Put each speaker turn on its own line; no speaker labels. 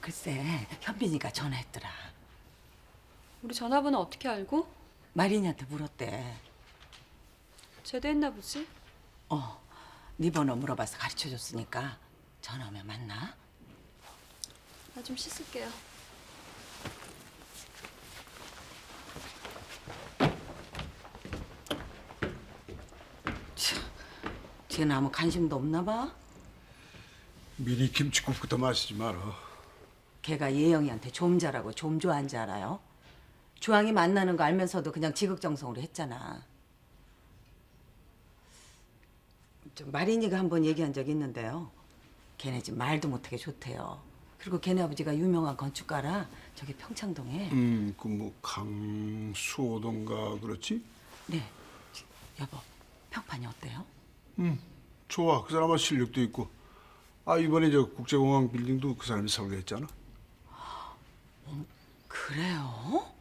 글쎄, 현빈이가 전화했더라.
우리 전화번호 어떻게 알고?
마린이한테 물었대.
제대했나 보지?
네 번호 물어봐서 가르쳐줬으니까 전화 오면 만나.
나 좀 씻을게요.
쟤는 아무 관심도 없나 봐.
미리 김치국부터 마시지 마라.
걔가 예영이한테 좀 잘하고 좀 좋아한 줄 알아요? 주황이 만나는 거 알면서도 그냥 지극정성으로 했잖아. 마린이가 한번 얘기한 적 있는데요. 걔네 집 말도 못하게 좋대요. 그리고 걔네 아버지가 유명한 건축가라 저기 평창동에.
그 뭐 강수호던가 그렇지?
네. 여보, 평판이 어때요?
좋아. 그 사람은 실력도 있고. 아 이번에 저 국제공항 빌딩도 그 사람이 설계했잖아.
그래요?